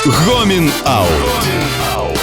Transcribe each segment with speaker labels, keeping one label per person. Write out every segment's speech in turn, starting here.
Speaker 1: Гомін Аут.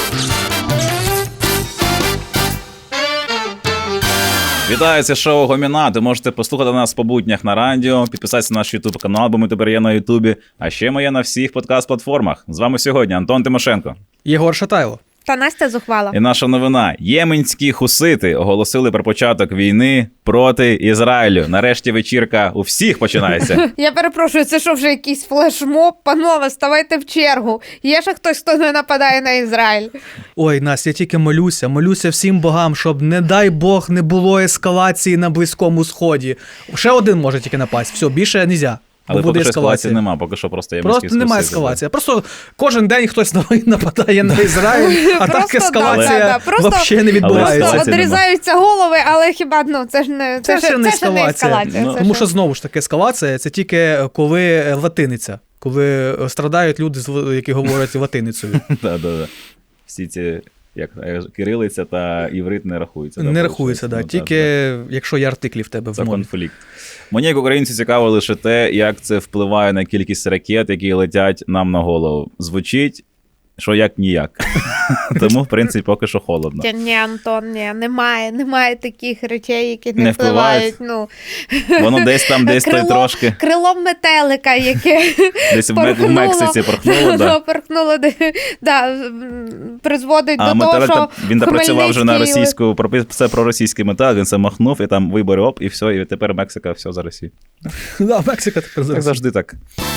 Speaker 2: Вітаю, це шоу Гомін Аут. Ви можете послухати нас по буднях на радіо, підписатися на наш YouTube канал, бо ми тепер є на Ютубі, а ще ми є на всіх подкаст-платформах. З вами сьогодні Антон Тимошенко.
Speaker 3: Єгор Шатайло.
Speaker 4: Та Настя Зухвала.
Speaker 2: І наша новина. Єменські хусити оголосили про початок війни проти Ізраїлю. Нарешті вечірка у всіх починається.
Speaker 4: Я перепрошую, це що вже якийсь флешмоб? Панове, ставайте в чергу. Є ще хтось, хто не нападає на Ізраїль?
Speaker 3: Ой, Настя, я тільки молюся всім богам, щоб, не дай Бог, не було ескалації на Близькому Сході. Ще один може тільки напасть, все, більше нельзя.
Speaker 2: Але поки що ескалації немає, поки що просто єменські хусити.
Speaker 3: Просто немає ескалації. Просто кожен день хтось нападає на Ізраїль, а так ескалація взагалі не відбувається.
Speaker 4: Просто одрізаються голови, але хіба, це ж не ескалація.
Speaker 3: Тому що, знову ж таки, ескалація – це тільки коли латиниця, коли страдають люди, які говорять латиницею.
Speaker 2: Так. Всі ці, як кирилиця та іврит не рахуються.
Speaker 3: Не рахуються, так. Тільки якщо є артиклі в тебе в мові.
Speaker 2: Це конфлікт. Мені, як українцю, цікаво лише те, як це впливає на кількість ракет, які летять нам на голову. Звучить, що як ніяк. Тому, в принципі, поки що холодно.
Speaker 4: Ні, Антон, немає таких речей, які не впливають.
Speaker 2: Воно десь там, десь той трошки.
Speaker 4: Крилом метелика, яке
Speaker 2: десь в Мексиці порхнуло.
Speaker 4: Порхнуло, призводить до того, що
Speaker 2: він працював вже на російську, це про російський метал, він це махнув, і там вибори, оп, і все, і тепер Мексика, все за Росію.
Speaker 3: Так, Мексика тепер за Росію.
Speaker 2: Так завжди так.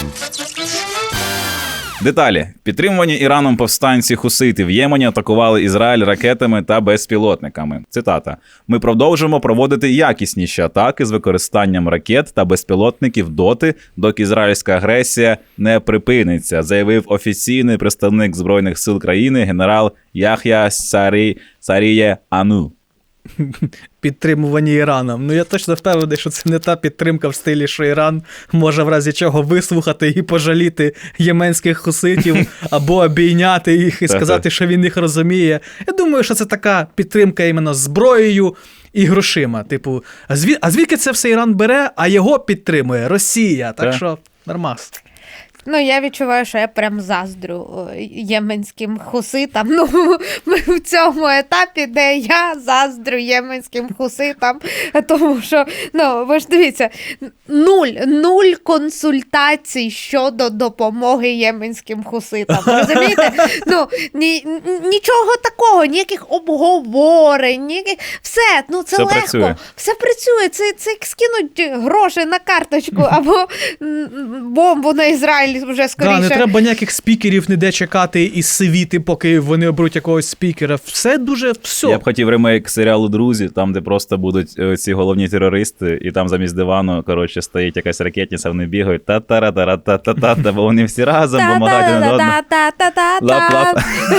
Speaker 2: Деталі. Підтримувані Іраном повстанці хусити в Ємені атакували Ізраїль ракетами та безпілотниками. Цитата. «Ми продовжимо проводити якісніші атаки з використанням ракет та безпілотників доти, доки ізраїльська агресія не припиниться», заявив офіційний представник Збройних сил країни генерал Ях'я Саріє Ану.
Speaker 3: Підтримувані Іраном. Я точно впевнений, що це не та підтримка в стилі, що Іран може в разі чого вислухати і пожаліти єменських хуситів, або обійняти їх і сказати, що він їх розуміє. Я думаю, що це така підтримка іменно зброєю і грошима. Типу, а звідки це все Іран бере, а його підтримує Росія. Так що нормас.
Speaker 4: Я відчуваю, що я прям заздрю єменським хуситам. Ми в цьому етапі, де я заздрю єменським хуситам, тому що, ви ж дивіться, нуль консультацій щодо допомоги єменським хуситам. Розумієте? Нічого такого, ніяких обговорень, все, це легко.
Speaker 2: Працює.
Speaker 4: Все працює. Це як скинуть гроші на карточку або бомбу на Ізраїль. Вже скоріше.
Speaker 3: Не треба ніяких спікерів ніде чекати і сивіти, поки вони оберуть якогось спікера. Все.
Speaker 2: Я б хотів ремейк серіалу «Друзі», там, де просто будуть ці головні терористи, і там замість дивану, стоїть якась ракетниця, вони бігають та-та-ра-та-та-та-та, бо вони всі разом допомагають один одному. Лап-лап.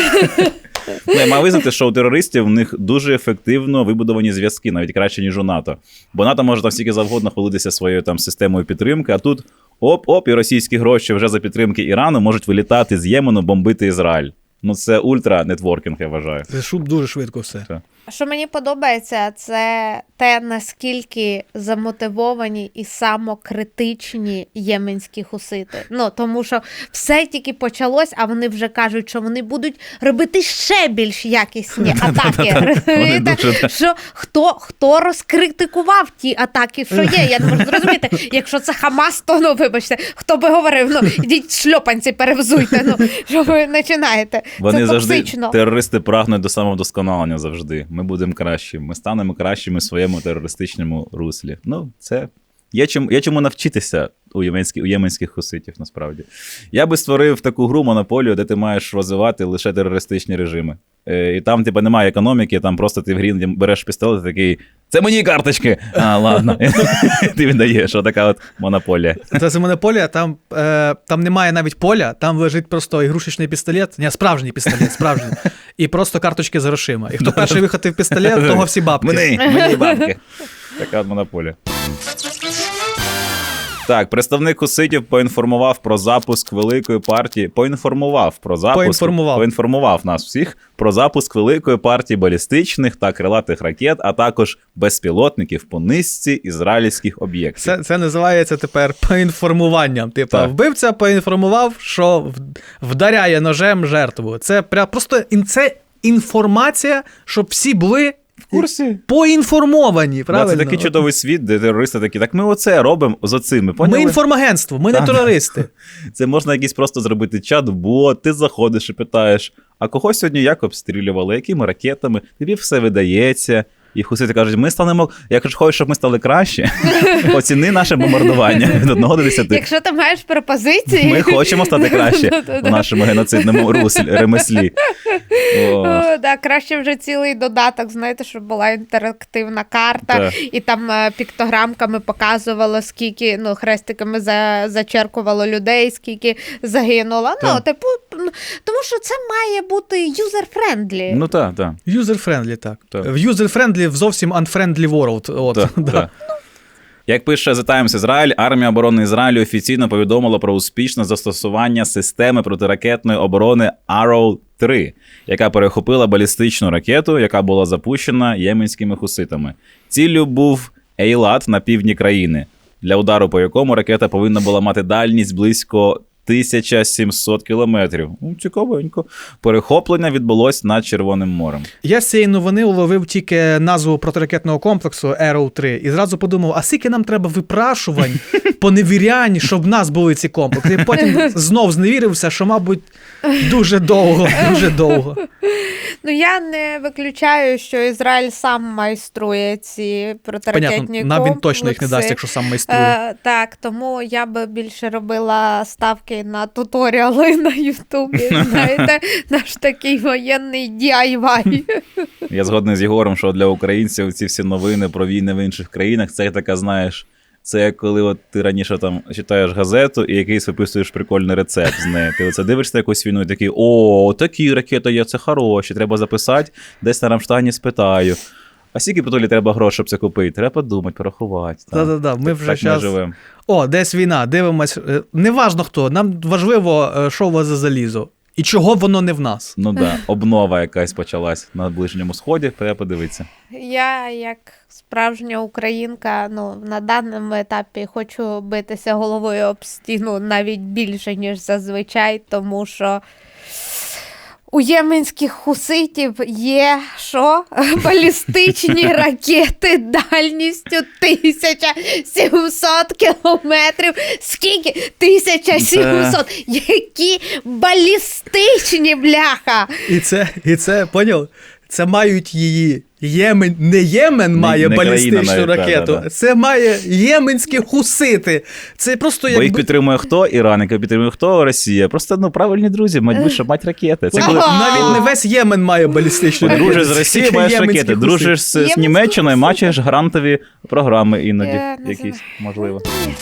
Speaker 2: Маю визнати, що у терористів в них дуже ефективно вибудовані зв'язки, навіть краще, ніж у НАТО. Бо НАТО може там стільки завгодно хвалитися своєю системою підтримки, а тут оп, і російські гроші вже за підтримки Ірану можуть вилітати з Ємену, бомбити Ізраїль. Це ультра-нетворкінг, я вважаю.
Speaker 3: Це дуже швидко все.
Speaker 4: Що мені подобається, це те, наскільки замотивовані і самокритичні єменські хусити. Тому що все тільки почалось, а вони вже кажуть, що вони будуть робити ще більш якісні атаки. Що хто розкритикував ті атаки, що є? Я не можу зрозуміти. Якщо це Хамас, то, вибачте, хто би говорив, ідіть шльопанці перевзуйте, що ви починаєте.
Speaker 2: Вони завжди, терористи прагнуть до самовдосконалення завжди. Ми будемо кращими. Ми станемо кращими в своєму терористичному руслі. Це є чому навчитися у єменських хуситів, насправді. Я би створив таку гру «Монополію», де ти маєш розвивати лише терористичні режими. І там, немає економіки, там просто ти в грі береш пістолет і такий «Це мої карточки!» Ладно. Ти віддаєш, отака монополія.
Speaker 3: Це монополія, там немає навіть поля, там лежить просто ігрушечний пістолет, справжній пістолет, справжній. І просто карточки з грошима. І хто перший вихотив пістолет, того всі бабки.
Speaker 2: Мені бабки. Така монополія. Так, представник хуситів поінформував про запуск великої партії. Поінформував нас всіх про запуск великої партії балістичних та крилатих ракет, а також безпілотників по низці ізраїльських об'єктів.
Speaker 3: Це називається тепер поінформуванням. Типа,
Speaker 2: Так.
Speaker 3: вбивця поінформував, що вдаряє ножем жертву. Це просто це інформація, щоб всі були
Speaker 2: В курсі?
Speaker 3: поінформовані,
Speaker 2: Да,
Speaker 3: правильно?
Speaker 2: це такий чудовий світ, де терористи такі, так ми оце робимо з оцими, поняли?
Speaker 3: Ми інформагентство, ми не
Speaker 2: Так.
Speaker 3: терористи.
Speaker 2: Це можна якийсь просто зробити чат-бот, ти заходиш і питаєш, а кого сьогодні як обстрілювали, якими ракетами, тобі все видається. І хусити кажуть, ми станемо, якщо хочеш, щоб ми стали краще, оціни наше бомбардування від 1 до 10.
Speaker 4: Якщо ти маєш пропозиції...
Speaker 2: Ми хочемо стати краще в нашому геноцидному ремеслі. О.
Speaker 4: Да, краще вже цілий додаток, знаєте, щоб була інтерактивна карта,
Speaker 2: Так.
Speaker 4: і там піктограмками показувало, скільки, хрестиками зачеркувало людей, скільки загинуло.
Speaker 2: Так.
Speaker 4: Тому що це має бути user-friendly.
Speaker 2: Ну так.
Speaker 3: User-friendly, так.
Speaker 2: Так.
Speaker 3: В user-friendly в зовсім unfriendly world. От,
Speaker 2: Так,
Speaker 3: да.
Speaker 2: так. Як пише The Times Ізраїль, армія оборони Ізраїлю офіційно повідомила про успішне застосування системи протиракетної оборони Arrow-3, яка перехопила балістичну ракету, яка була запущена єменськими хуситами. Ціллю був Ейлат на півдні країни, для удару по якому ракета повинна була мати дальність близько 1700 кілометрів. Цікавенько. Перехоплення відбулось над Червоним морем.
Speaker 3: Я з цієї новини уловив тільки назву протиракетного комплексу Arrow 3 і зразу подумав, а скільки нам треба випрашувань, поневірянь, щоб в нас були ці комплекси. І потім знов зневірився, що, мабуть, дуже довго.
Speaker 4: Я не виключаю, що Ізраїль сам майструє ці протиракетні
Speaker 3: Понятно,
Speaker 4: комплекси.
Speaker 3: нам він точно їх не дасть, якщо сам майструє.
Speaker 4: Так, тому я би більше робила ставки на туторіали на Ютубі. Знаєте, наш такий воєнний DIY.
Speaker 2: Я згодний з Єгором, що для українців ці всі новини про війни в інших країнах, це така, знаєш, це як коли от ти раніше там читаєш газету і якийсь виписуєш прикольний рецепт з неї. Ти оце дивишся якусь війну і такий, такі ракети є, це хороші, треба записати, десь на Рамштайні спитаю. А скільки потолі треба грошей, щоб це купити? Треба подумати, порахувати.
Speaker 3: Так, ми вже
Speaker 2: так
Speaker 3: щас...
Speaker 2: живемо.
Speaker 3: Десь війна, дивимось. Неважно хто, нам важливо, що у вас за залізо. І чого воно не в нас.
Speaker 2: Ну так, обнова якась почалась на Ближньому Сході, треба подивитися.
Speaker 4: Я, як справжня українка, на даному етапі хочу битися головою об стіну навіть більше, ніж зазвичай, тому що у єменських хуситів є балістичні ракети дальністю 1700 кілометрів. Скільки? 1700! Які балістичні, бляха!
Speaker 3: І це, поняв? Це мають її. Не Ємен має
Speaker 2: не
Speaker 3: балістичну
Speaker 2: країна навіть,
Speaker 3: ракету,
Speaker 2: да.
Speaker 3: Це має єменські хусити. Це просто
Speaker 2: Бо їх підтримує хто? Іран, яка підтримує хто? Росія. Просто, правильні друзі, мать ракети. Це коли
Speaker 3: Навіть не весь Ємен має балістичну ракету.
Speaker 2: дружиш з Росією,
Speaker 3: Тільки
Speaker 2: маєш
Speaker 3: єменські
Speaker 2: ракети.
Speaker 3: хусити.
Speaker 2: Дружиш з
Speaker 4: Єменські
Speaker 2: Німеччиною, маєш грантові програми іноді.
Speaker 4: Я не
Speaker 2: Якісь, можливо.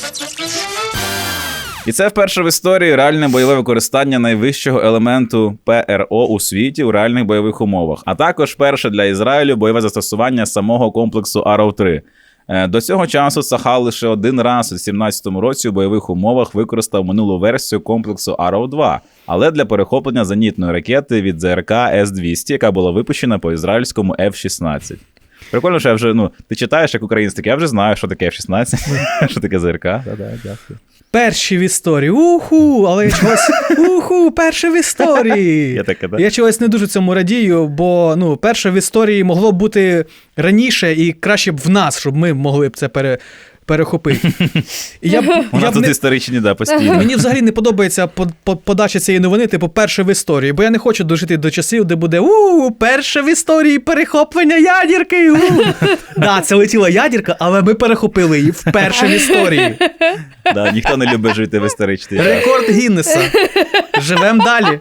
Speaker 2: І це вперше в історії реальне бойове використання найвищого елементу ПРО у світі у реальних бойових умовах. А також вперше для Ізраїлю бойове застосування самого комплексу Arrow-3. До цього часу Цахал лише один раз у 2017 році у бойових умовах використав минулу версію комплексу Arrow-2, але для перехоплення зенітної ракети від ЗРК С-200, яка була випущена по ізраїльському F-16. Прикольно, що я вже, ти читаєш як українець, так я вже знаю, що таке F-16, що таке ЗРК. Дякую.
Speaker 3: Перші в історії. Але я чогось... перші в історії. Я чогось не дуже цьому радію, бо, перше в історії могло б бути раніше і краще б в нас, щоб ми могли б це перехопити.
Speaker 2: У нас тут історичні, постійно.
Speaker 3: Мені взагалі не подобається подача цієї новини, перше в історії, бо я не хочу дожити до часів, де буде перше в історії перехоплення ядерки. Це летіла ядерка, але ми перехопили її вперше в історії.
Speaker 2: Ніхто не любить жити в історичній час.
Speaker 3: Рекорд Гіннеса. Живем далі.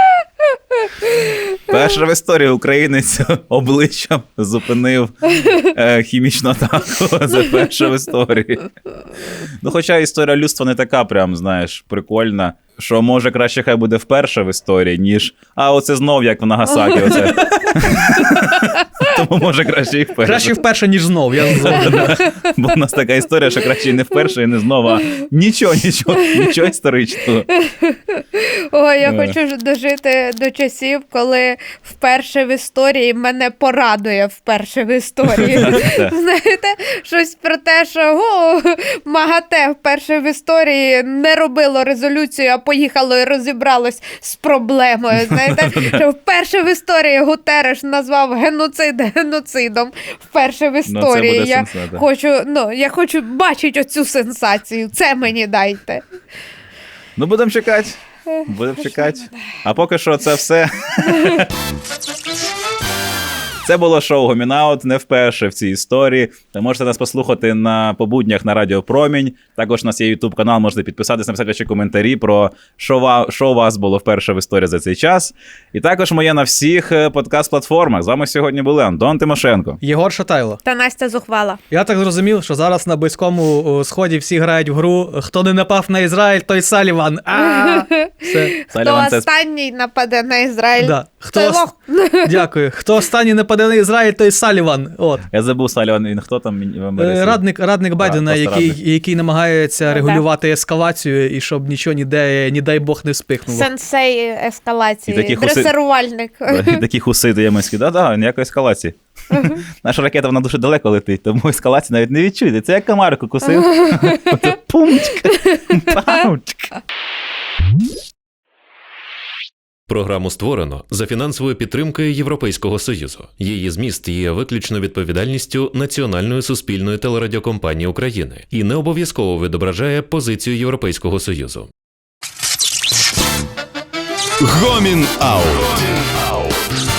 Speaker 2: Перша в історії українець обличчям зупинив хімічну атаку. Це перша в історії. Хоча історія людства не така прям, прикольна, що може краще хай буде вперше в історії, ніж оце знов як в Нагасакі. Тому може краще і вперше.
Speaker 3: Краще вперше, ніж знов, я згоден.
Speaker 2: Бо в нас така історія, що краще і не вперше, і не знову, а нічого історичного.
Speaker 4: Ой, я хочу дожити до часів, коли вперше в історії мене порадує вперше в історії. Знаєте, щось про те, що МАГАТЕ вперше в історії не робило резолюцію, а поїхало і розібралось з проблемою. Знаєте, що вперше в історії Гутерреш назвав геноцид геноцидом. Вперше в історії. Я хочу бачити оцю сенсацію. Це мені дайте.
Speaker 2: Ну, будемо чекати. А поки що це все. Це було шоу Гомінаут, не вперше в цій історії. Ви можете нас послухати по буднях на Радіо Промінь. Також у нас є YouTube канал, можете підписатись, написати ваші коментарі про що у вас було вперше в історії за цей час. І також ми є на всіх подкаст-платформах. З вами сьогодні були Антон Тимошенко,
Speaker 3: Єгор Шатайло.
Speaker 4: Та Настя Зухвала.
Speaker 3: Я так зрозумів, що зараз на Близькому Сході всі грають в гру «Хто не напав на Ізраїль, той Саліван». Все.
Speaker 4: Хто останній нападе на Ізраїль,
Speaker 3: Да.
Speaker 4: той лох.
Speaker 3: Дякую. Хто останній нападе на Ізраїль, той Саліван. От.
Speaker 2: Я забув Саліван, він хто там в Америці?
Speaker 3: Радник Байдена, який намагається регулювати ескалацію і щоб нічого ніде, не дай Бог, не спихнуло.
Speaker 4: Сенсей ескалації,
Speaker 2: І
Speaker 4: дресирувальник.
Speaker 2: І такі хусити єменські. Да, ніякої ескалації. Наша ракета, вона дуже далеко летить, тому ескалації навіть не відчуєте. Це як комарику кусив. Оце пумчка, паучка.
Speaker 1: Програму створено за фінансовою підтримкою Європейського Союзу. Її зміст є виключно відповідальністю Національної суспільної телерадіокомпанії України і не обов'язково відображає позицію Європейського Союзу. Гомін Аут.